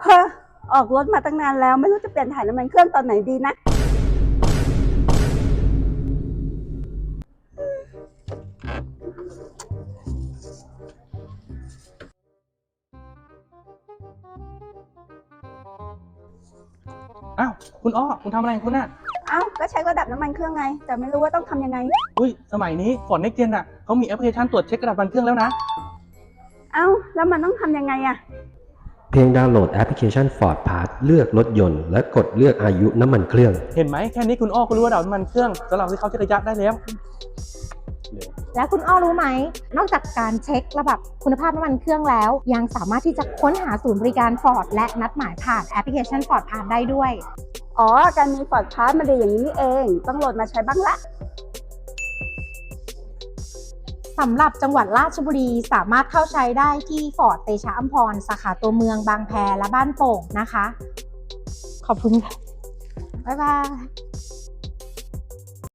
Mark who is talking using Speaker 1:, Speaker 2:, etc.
Speaker 1: เฮ้อออกรถมาตั้งนานแล้วไม่รู้จะเปลี่ยนถ่ายน้ำมันเครื่องตอนไหนดีนะ
Speaker 2: อ้าวคุณอ้อคุณทำอะไรของคุณน่ะ
Speaker 1: เอ้าก็ใช้ระดับน้ำมันเครื่องไงแต่ไม่รู้ว่าต้องทำยังไง
Speaker 2: อุ้ยสมัยนี้ Ford Next Gen อ่ะเขามีแอปพลิเคชันตรวจเช็คระดับน้ำมันเครื่องแล้วนะ
Speaker 1: เอ้าแล้วมันต้องทำยังไงอะ
Speaker 3: เพียงดาวน์โหลดแอปพลิเคชัน Ford Pass เลือกรถยนต์และกดเลือกอายุน้ำมันเครื่อง
Speaker 2: เห็นไหมแค่นี้คุณอ้อก็รู้ว่าระดับน้ำมันเครื่องสำหรับที่เขาเช็คระยะได้แล้ว
Speaker 4: แล้วคุณอ้อรู้ไหมนอกจากการเช็คระดับคุณภาพน้ำมันเครื่องแล้วยังสามารถที่จะค้นหาศูนย์บริการ Ford และนัดหมายผ่านแอปพลิเคชัน Ford Pass ได้ด้วย
Speaker 1: อ๋อการมี Ford Pass มาดีอย่างนี้นี่เองต้องโหลดมาใช้บ้างละ
Speaker 4: สำหรับจังหวัดราชบุรีสามารถเข้าใช้ได้ที่ Ford เตชะอัมพรสาขาตัวเมืองบางแพและบ้านโป่งนะคะขอบคุณค่ะบ๊ายบาย